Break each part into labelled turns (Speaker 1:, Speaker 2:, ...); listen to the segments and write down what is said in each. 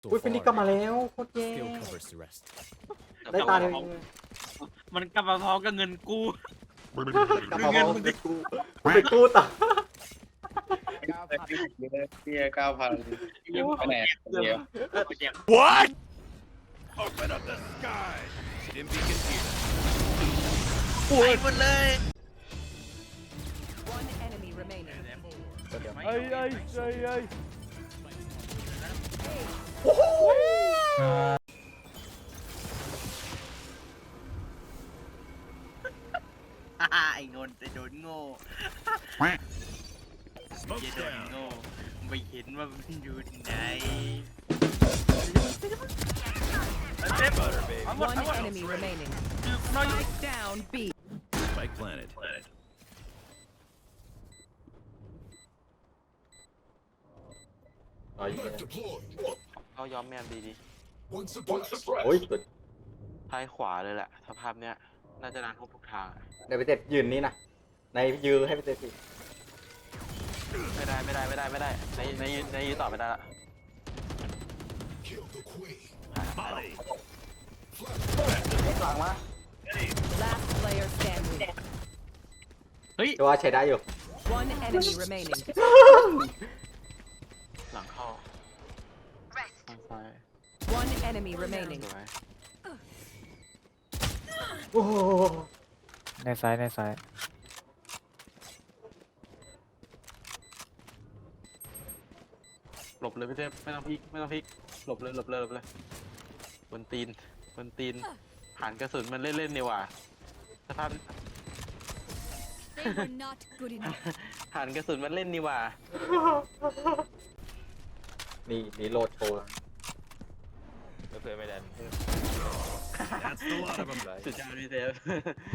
Speaker 1: อุ้ยฟินิกกลับมาแล้วโคตรเย่ได้ตาเดียว
Speaker 2: มันกลับมาพร้อมกับเงินกู้
Speaker 1: กลับมาบอกเป็นกูไปกู้ต่อ
Speaker 3: เฮีย9,000คะแนนเดียว
Speaker 4: What? Open up the sky. Stim beacon here.
Speaker 2: ไปหมดเลย
Speaker 5: One enemy remaining.
Speaker 6: เอ้ย
Speaker 2: ไอ้นนท์จะโดนโง่
Speaker 4: Smoke
Speaker 2: จะโดน
Speaker 4: down.
Speaker 2: โง่ไม่เห็นว่ามันอยู่ไหน
Speaker 4: Butter, baby.
Speaker 5: One enemy remaining. Spike down B.
Speaker 4: Spike planet.
Speaker 1: อ๋อยิงเลย
Speaker 7: เขาย้อมแมนดีดิ
Speaker 1: โอ้ยสุด
Speaker 7: ท้ายขวาเลยแหละสภาพเนี้ยน่าจะนานทุกทาง
Speaker 1: ในไปเจ็ดยืนนี่นะในยืนให้ไปเจ็ดสิ
Speaker 7: ไม่ได้ในยืนต่อไม่ได้ละ
Speaker 4: Molly.
Speaker 1: หลังมา
Speaker 5: Last player standing.
Speaker 1: จะว่าใช้ได้อยู่
Speaker 5: One enemy remaining.
Speaker 7: หลังเข้าทางซ้าย
Speaker 5: One enemy remaining.
Speaker 7: สวย
Speaker 1: โอ้โห
Speaker 6: ในซ้าย
Speaker 7: หลบเลยพี่เทพไม่ต้องพลิกหลบเลยบนตีนหันกระสุนมันเล่นๆนี่หว่าสภาพ
Speaker 8: They were not good enough.
Speaker 7: หันกระสุนมันเล่นนี่หว่า
Speaker 1: นี่โหลดโชว์
Speaker 7: เพื่อไม่ดัน
Speaker 4: That's the lot of them.
Speaker 7: สุดยอดพี่เทพ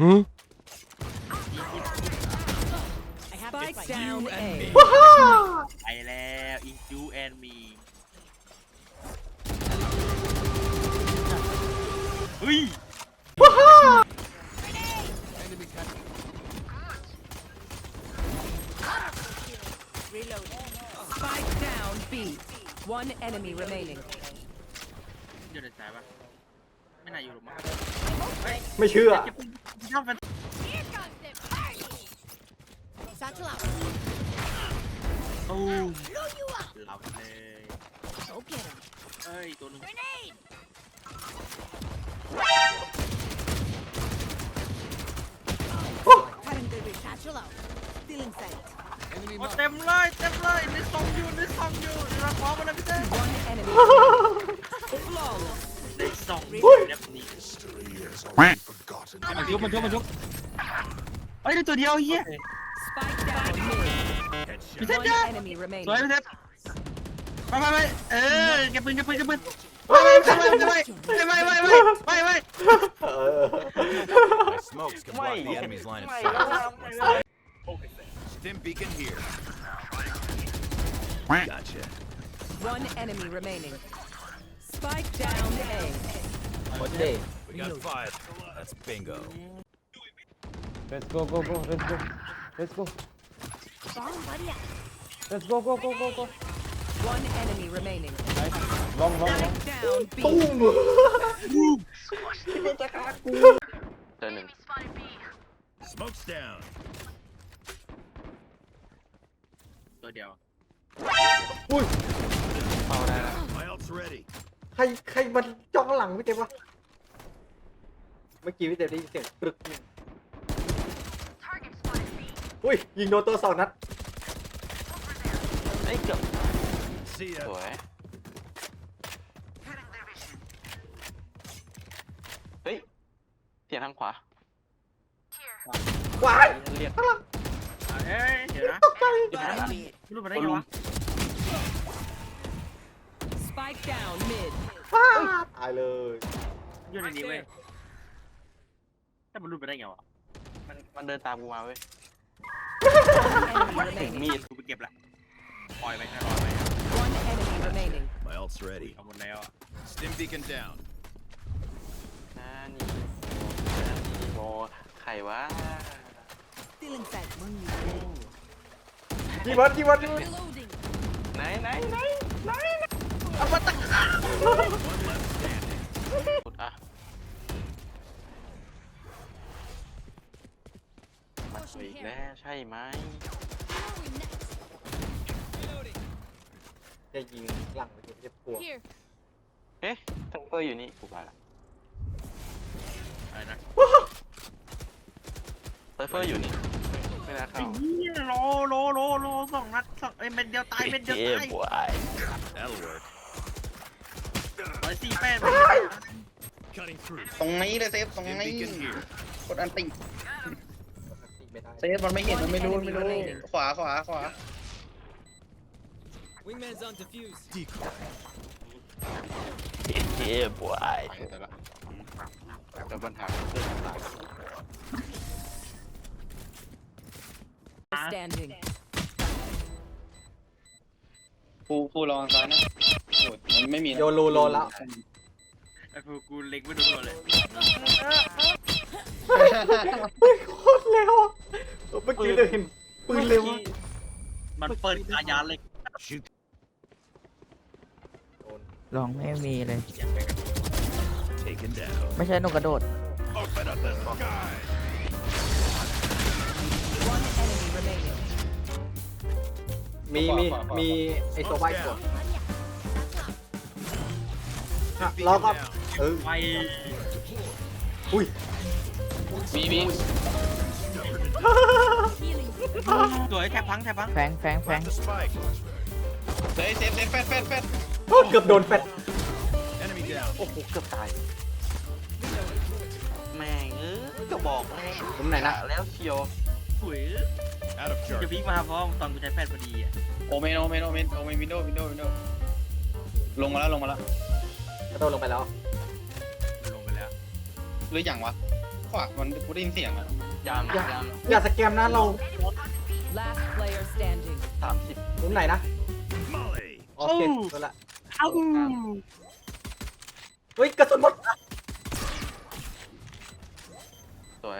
Speaker 5: Spike down A.
Speaker 2: ไปแล้วอินจูแอนมีเฮ้ย
Speaker 5: Spike down B. One enemy remaining.
Speaker 2: อยู่ในสายปะไม่น่าอยู่หรอกมั้ง
Speaker 1: ไม่เชื่อ
Speaker 2: ชอบมัน
Speaker 8: Here comes the party. Satchel out.
Speaker 2: ตูม
Speaker 8: Blow you up.
Speaker 2: หลับเลย
Speaker 8: Go get him.
Speaker 2: เฮ้ยตัวหนึง
Speaker 8: Grenade. Cutting the satchel out. Stealing sight.
Speaker 2: โอ้เต็มเลยในซองอยู่ในเราขอมาเลยพี่เต้
Speaker 5: One enemy. Flawless.
Speaker 2: ในซองแบบนี้
Speaker 6: มันยก
Speaker 2: เฮ้ยได้ตัวเดียวเฮีย
Speaker 5: Spike down mid.
Speaker 4: Headshot.
Speaker 5: One enemy
Speaker 2: สวย
Speaker 5: remaining.
Speaker 2: พี่เต้ไปเก็บปืนไปไป
Speaker 1: เออ
Speaker 4: My smokes can block the enemy's line of
Speaker 7: ไม่
Speaker 4: sight. Stim beacon here. Gotcha.
Speaker 5: One enemy remaining. Spike down A.
Speaker 1: หมดเด้
Speaker 4: We got 5. That's bingo.
Speaker 6: Let's go
Speaker 8: Bomb buddy out.
Speaker 6: go
Speaker 5: One enemy remaining.
Speaker 6: long
Speaker 5: Spike down
Speaker 1: ตุ้
Speaker 5: B.
Speaker 1: ม
Speaker 7: เจอหนึ่ง
Speaker 4: Smokes down.
Speaker 2: ตัวเดียว
Speaker 1: อุ้ย
Speaker 7: เข้าได้แล้ว
Speaker 4: My ult's ready.
Speaker 1: ใครมันจ้องหลังพี่เต็มวะเมื่อกี้พี่เต็มได้ยินเสียงปรึกหนึ่งอุ้ยยิงโดนตัว2 นัด
Speaker 7: เอ้ยเกือบ
Speaker 4: See
Speaker 7: ส
Speaker 4: ya.
Speaker 7: วยเฮ้ยเสียงทางขวา
Speaker 1: ว้าย
Speaker 7: เรียก
Speaker 2: เฮ้ยเดี๋ยวนะ
Speaker 1: ตกใจ
Speaker 2: ไม่รู้ไปได้ไงวะ
Speaker 5: Spike down mid.
Speaker 1: ฟ้าตายเลย
Speaker 2: อยู่ในนี้เว้ยแต่มันรู้ไปได้ไงวะ
Speaker 7: มันเดินตามกูมาเว้ย
Speaker 5: Enemy
Speaker 7: ถึง
Speaker 5: remaining.
Speaker 7: มีด
Speaker 2: กูไปเก็บละปล่อยไปแค่รอไป
Speaker 5: One enemy remaining.
Speaker 4: My ult's ready.
Speaker 2: เอาหมดแล้วอะ
Speaker 4: Stim beacon down.
Speaker 7: นานี่โมใครวะ
Speaker 8: Stealing sight.
Speaker 1: กี่วัน
Speaker 8: Reloading.
Speaker 7: ไหน
Speaker 2: เอามาตั้ง
Speaker 7: กดอ่ะมาสวยอีกแล้วใช่ไหม
Speaker 1: จะยิงหลังไปจะปวด
Speaker 8: Here.
Speaker 7: เอ๊ะทังเปอร์อยู่นี่กูไปละ
Speaker 2: อะไรนะ
Speaker 7: ไซเฟอร์อยู่นี่ไม่น่าเข้า
Speaker 2: โลสองนัดสองเม็ดเดียวตายเม็ดเดียวตาย
Speaker 7: บวย
Speaker 4: That'll work.
Speaker 2: 148
Speaker 4: Cutting through.
Speaker 3: ตรงนี้เลยเซฟตรง
Speaker 4: Stim
Speaker 3: นี้
Speaker 4: beacon here.
Speaker 3: กดอันติ
Speaker 1: ไม่ได้
Speaker 3: เซฟมันไม่เห็นมันไม่รู้ไม่รู้ขวา
Speaker 9: Wingman's on defuse.
Speaker 4: Decoy.
Speaker 7: บวยแต่ละแต่ปัญหาเรื่องต่าง
Speaker 5: Standing.
Speaker 3: ฟูรองซ้ายนะโหมันไม่มี
Speaker 1: โยรูโลแล้ว
Speaker 2: ไอ้พวกกูเล็งไม่โดนเลย
Speaker 1: โคตรเร็วเมื่อกี้เลยเห็นปืนเร็ว
Speaker 2: มันเปิดอายาเล็ก
Speaker 4: Shoot.
Speaker 10: ลองไม่มีเลย
Speaker 4: Taken down.
Speaker 10: ไม่ใช่นกกระโดด
Speaker 4: Open up the sky.
Speaker 5: One enemy remaining.
Speaker 1: มีไอ้ตัวใบกด
Speaker 4: Beacon
Speaker 1: แล้วก็
Speaker 4: down.
Speaker 2: ไป
Speaker 1: อุ้ย
Speaker 3: มี
Speaker 2: สวยแทบพัง
Speaker 10: แฟง
Speaker 4: Plant the spike.
Speaker 3: เซฟแฟด
Speaker 1: โอ้เกือบโดนแฟด
Speaker 4: Enemy down.
Speaker 7: โอ้โหเกือบตายแม่งก็บอกแม่
Speaker 1: ผมไหนนะ
Speaker 7: แล้วเชียว
Speaker 2: สวย
Speaker 4: Out of
Speaker 2: จะ
Speaker 4: charge.
Speaker 2: พลิกมาพร้อมตอนกูใช้แฟนพอดีอ่ะ
Speaker 3: โอเมนวินโดลงมาแล้ว
Speaker 1: กระโดดลงไปแล้ว
Speaker 2: มันลงไปแล้ว
Speaker 3: หรืออย่างวะขวามันกูได้ยินเสียงอะ
Speaker 7: ยามยาม
Speaker 1: อย่าสแกมนะเรา
Speaker 5: Last player standing.
Speaker 7: 30
Speaker 1: มุมไหนนะ
Speaker 4: Molly.
Speaker 1: โอเคตัวละเฮ้ยกระสุนหมด
Speaker 7: สวย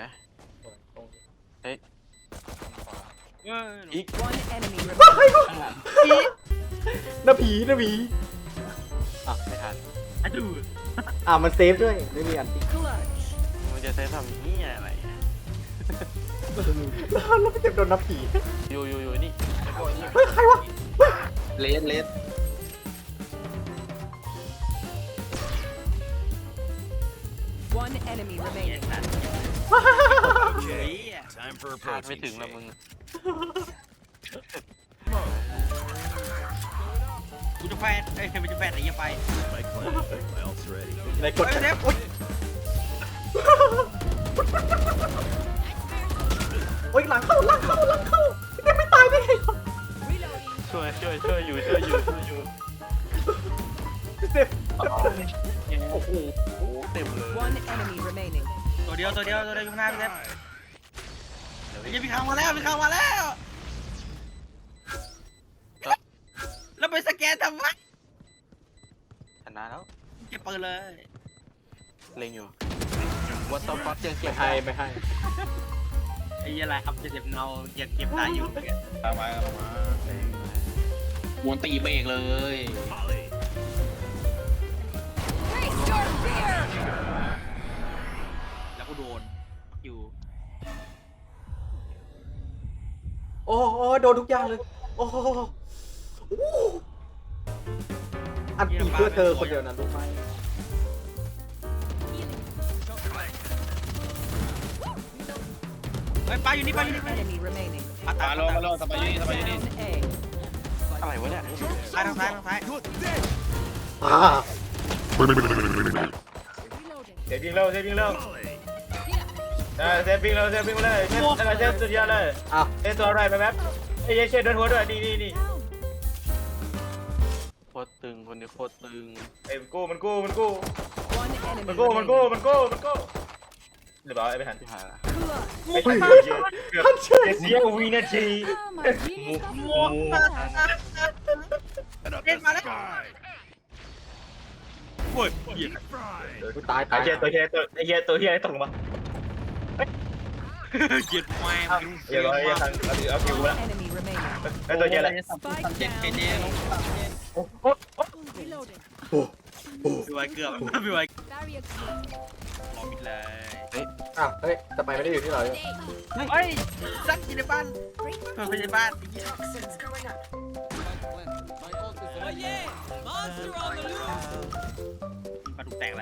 Speaker 2: อีก
Speaker 5: One enemy remaining.
Speaker 1: นาผีอ่ะ
Speaker 7: ไม่ทัน
Speaker 2: อะดู
Speaker 1: มันเซฟด้วยไม่มีอันติ
Speaker 5: Clutch.
Speaker 7: มันจะใช้ทำนี่อะไร
Speaker 1: แล้วไม่เจ็บโดนนาผี
Speaker 7: อยู่นี่
Speaker 1: เฮ้ยใครวะ
Speaker 3: เลส
Speaker 5: One enemy remaining.
Speaker 4: Okay. Time for a
Speaker 7: คาดไม่
Speaker 4: protein
Speaker 7: ถึงละ
Speaker 4: shake.
Speaker 7: มึง
Speaker 2: กูจะแฟนมันจะแฟนอะไรไป
Speaker 4: Spike planted. My ult's ready.
Speaker 1: ในกด
Speaker 2: เซฟ
Speaker 1: โอ้ยหลังเข้าไม่ตายได้ไง
Speaker 5: Reloading.
Speaker 7: ช่วยอยู่
Speaker 1: เซฟ
Speaker 7: โอ้โหเต็มเลย
Speaker 5: One enemy remaining.
Speaker 2: ตัวเดียวอยู่ข้างหน้าพี่เซฟ
Speaker 4: Sky.
Speaker 2: ยังมีข่าวมาแล้วแล้วไปสแกนทำไม
Speaker 7: ชนะแล้ว
Speaker 2: เก็บปืนเลย
Speaker 7: เล็งอยู่วัตถุฟัดยังเก็บ
Speaker 1: ไม่ให้
Speaker 2: ไอ้อะไรอัพจะเจ็บเงายังเก็บได้อยู่
Speaker 3: ตามมาวนตีเบรกเลย
Speaker 4: Molly.
Speaker 8: Face your fear.
Speaker 2: แล้วก็โดนอยู่
Speaker 1: โอ้โดนทุกอย่างเลยโอ้อันตีเพื่อเธอคนเดียวนะรู้ไหม
Speaker 2: เฮ้ยปลาอยู่นี่
Speaker 5: One enemy remaining.
Speaker 2: ปลาตาย
Speaker 3: มาลงสบายอยู่นี่
Speaker 5: Down A.
Speaker 7: อะไรวะเนี่ย
Speaker 2: ทางซ้าย
Speaker 4: You're dead.
Speaker 6: เซฟวิ่งเร็ว
Speaker 4: Molly.
Speaker 6: เซฟวิ่งเร็วเลยเซฟสุดยอดเลย
Speaker 1: อ้าว
Speaker 6: ตัวอะไรแป๊บไอ้เชดโดนหัวด้วยนี่
Speaker 7: โคตรตึงคนนี้โคตรตึง
Speaker 6: ไอ้มันกู้
Speaker 5: One enemy
Speaker 6: มัน
Speaker 5: remaining.
Speaker 6: กู้หรือเปล่าไอ้ไม่ทัน
Speaker 7: ที่หายละ
Speaker 5: Clutch.
Speaker 6: ไม่ทันเกือบเสียวินาที
Speaker 8: Oh, my genius got
Speaker 4: And up
Speaker 2: Get
Speaker 4: the
Speaker 2: my leg.
Speaker 4: sky.
Speaker 2: โอ้ยเหยียบ
Speaker 4: Deep fried.
Speaker 1: กูตาย
Speaker 6: ไอ้เหี้ยตัวเหี้ยตกลงมา
Speaker 2: เหยียบแมง
Speaker 6: เดี๋ยวไอ้ทันเอาผิว
Speaker 5: One
Speaker 6: ละ
Speaker 5: enemy remaining.
Speaker 6: ไอ้ตัวเหี้ยอะไร
Speaker 5: Spike down A.
Speaker 6: โอ้
Speaker 5: seconds.
Speaker 8: Reloading.
Speaker 2: พี่ไวเกือบพี่ไว
Speaker 8: Barrier
Speaker 2: รอมิดเลย
Speaker 1: อ้าวเฮ้ยสไปไม่ได้อยู่ที่เราอยู่
Speaker 2: เฮ้ยซัดอยู่ในบ้าน
Speaker 8: Breaker.
Speaker 2: เปิดไปในบ้าน
Speaker 8: Toxins going up.
Speaker 9: Oh yeah! Monster on the loose!
Speaker 2: มาถูกแตกเลย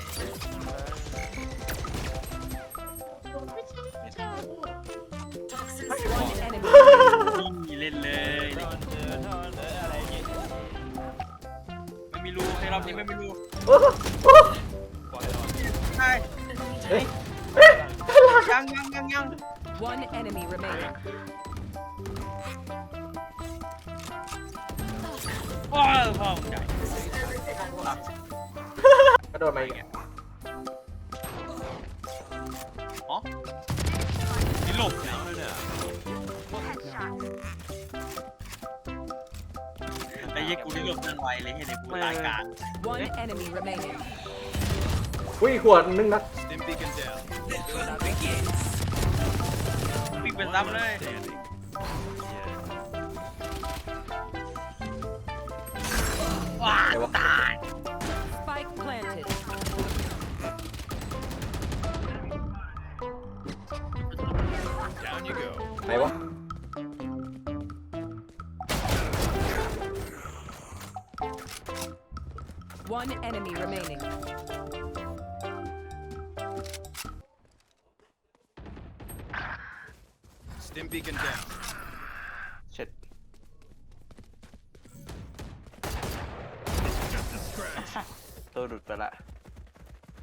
Speaker 5: One enemy.
Speaker 2: นี่เล่นเลยไม่มีรูในรอบนี้ไม่มีรู
Speaker 1: โอ้โหโอ้โห
Speaker 2: ใช่
Speaker 1: เฮ้ย
Speaker 2: ยัง
Speaker 5: One enemy remaining.
Speaker 2: โอ้ยพ่อมึงใหญ่
Speaker 1: กระโดดมาอีก
Speaker 2: อ๋อนี่หลบเนี่ยไอ้เหี้ยกูนี่หลบนั่นไวเลยเห็นไอ้กูตายกลาง
Speaker 5: One enemy remaining.
Speaker 1: อุ้ยขวดนึงนะ
Speaker 4: Stim beacon down.
Speaker 2: วิ่งเป็นซ้ำเลย
Speaker 4: Standing.
Speaker 2: ว้าตาย
Speaker 5: Spike planted.
Speaker 4: Down you go.
Speaker 1: ไหนวะ
Speaker 5: One enemy remaining.
Speaker 4: Stim beacon down.
Speaker 7: เช็ด
Speaker 4: Just a scratch.
Speaker 7: ตัวหลุดไปละ